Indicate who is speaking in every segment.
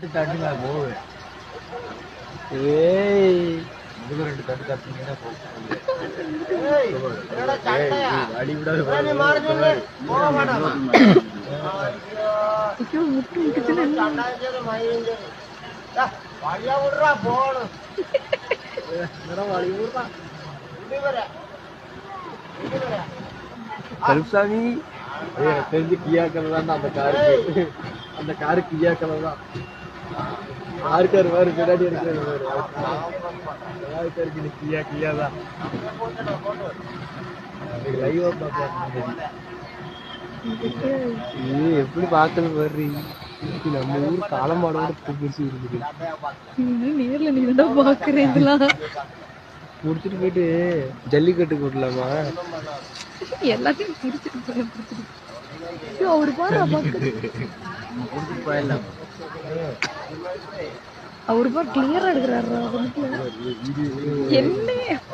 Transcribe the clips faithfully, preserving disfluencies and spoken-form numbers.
Speaker 1: தட்டுங்க போகுது.
Speaker 2: ஏய்
Speaker 1: இதுக்கு ரெண்டு தட்டு தட்டிங்கன்னா போகும். அடி விடாது
Speaker 2: கருப்சாமி
Speaker 1: எனக்கு தெரிஞ்சு கியா கலர் தான் அந்த காருக்கு. அந்த காரு கியா கலர் தான். ஆறுக்காரு வேறு பின்னாடி இருக்கிறது ஆறுக்காருக்கு கியா கியா தான். லைவா பார்க்கலாம்.
Speaker 2: எப்படி பார்க்கறது பாரு. நம்ம ஊர் காலமாடோட பெருசு இருக்குது.
Speaker 3: நேர்ல நீ தான் பாக்குறேன். இதெல்லாம்
Speaker 2: முடிச்சுட்டு போயிட்டு ஜல்லிக்கட்டுக்கு விடலாமா?
Speaker 3: எல்லாத்தையும் பிரிச்சுட்டு போய் அவரு பாரு
Speaker 2: போயிடலாம்.
Speaker 3: அவரு பாரு கிளியரா எடுக்கிறாரு. என்ன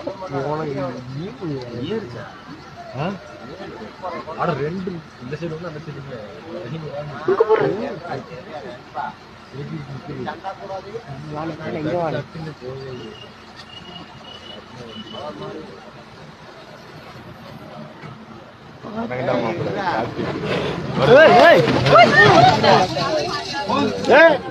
Speaker 1: ஆனா ரெண்டு இந்த சைடு வந்து அந்த சைடு
Speaker 2: எங்க வாழ
Speaker 1: ஏய்